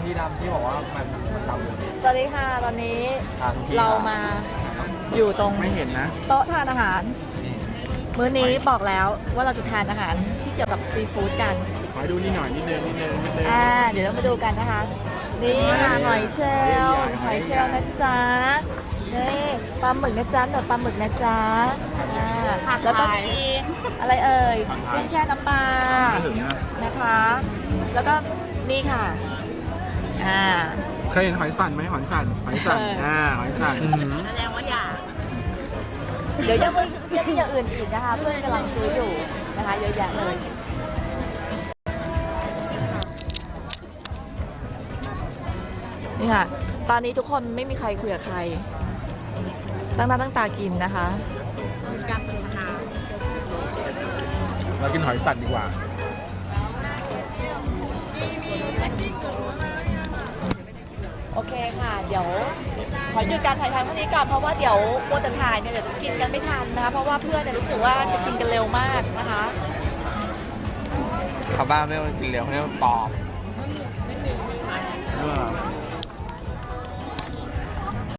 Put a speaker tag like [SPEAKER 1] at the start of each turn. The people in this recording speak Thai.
[SPEAKER 1] ทีดำที่บอกว่ามันดำ
[SPEAKER 2] สวัสดีค่ะตอนนี้
[SPEAKER 1] ทุกที
[SPEAKER 2] เรามาอยู่ตรง
[SPEAKER 3] ไม่เห็นนะ
[SPEAKER 2] โต๊ะทานอาหาร มื้อนี้บอกแล้วว่าเราจะทานอาหารที่เกี่ยวกับซีฟู้ดกัน
[SPEAKER 3] ขอดูนี่หน่อยนิดนึง
[SPEAKER 2] เดี๋ยวเรามาดูกันนะคะ นี่ค่ะหอยเชลล์หอยเชลล์นะจ๊ะนี่ปลาหมึกนะจ๊ะหนวดปลาหมึกนะจ๊ะแล้วก็มีอะไรเอ่ยกุ้งแช่น้ำปลานะคะ แล้วก็นี่ค่ะ
[SPEAKER 3] เคยเห็นหอยสันไหมหอยสันหอยสันหอยสัน
[SPEAKER 2] แสดงว่าอยากเดี๋ยวยังมีอย่างอื่นอีกนะคะ เพื่อนกำลังซื้ออยู่นะคะเยอะแยะเลยนี่ค่ะ ตอนนี้ทุกคนไม่มีใครคุยกับใครตั้งหน้าตั้งตากินนะคะการสนทนา
[SPEAKER 3] เรากินหอยสันดีกว่า
[SPEAKER 2] โอเคค่ะ เดี๋ยวขอหยุดการถ่ายทำเท่านี้ก่อนเพราะว่าเดี๋ยวโมจะถ่ายเนี่ยเดี๋ยวจะกินกันไม่ทันนะคะเพราะว่าเพื่อนเนี่ยรู้สึกว่าจะกินกันเร็วมากนะคะ
[SPEAKER 1] ชาวบ้านไม่ต้องกินเร็วเขาเรียกว่าปอบ
[SPEAKER 3] เออ